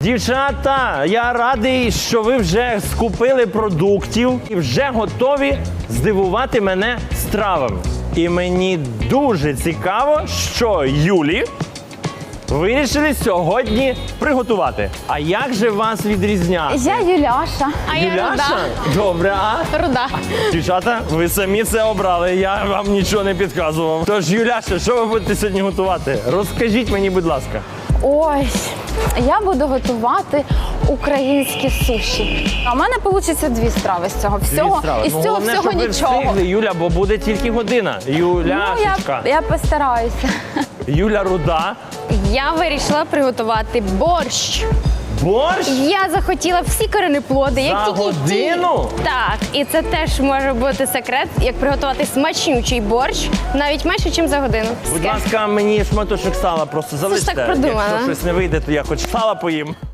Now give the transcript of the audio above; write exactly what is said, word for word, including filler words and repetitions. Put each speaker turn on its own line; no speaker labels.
Дівчата, я радий, що ви вже скупили продуктів і вже готові здивувати мене стравами. І мені дуже цікаво, що Юлі вирішили сьогодні приготувати. А як же вас відрізняти?
Я Юляша.
А я
Юляша?
руда.
Добре, а?
Руда.
Дівчата, ви самі це обрали, я вам нічого не підказував. Тож, Юляша, що ви будете сьогодні готувати? Розкажіть мені, будь ласка.
Ось, я буду готувати українські суші. А в мене вийде дві страви з цього всього.
Дві страви.
І з
Ну,
цього
головне,
всього
щоб ви
нічого.
встигли, Юля, бо буде тільки година.
Ну,
Юляшечка.
я, я постараюся.
Юля Руда.
Я вирішила приготувати борщ.
Борщ?
Я захотіла всі коренеплоди, як
За
тільки
годину?
ті. Так, і це теж може бути секрет, як приготувати смачнючий борщ навіть менше, ніж за годину.
Будь
Таке.
ласка, мені шматочок сала просто залиште.
так продумано.
Якщо щось не вийде, то я хоч сала поїм.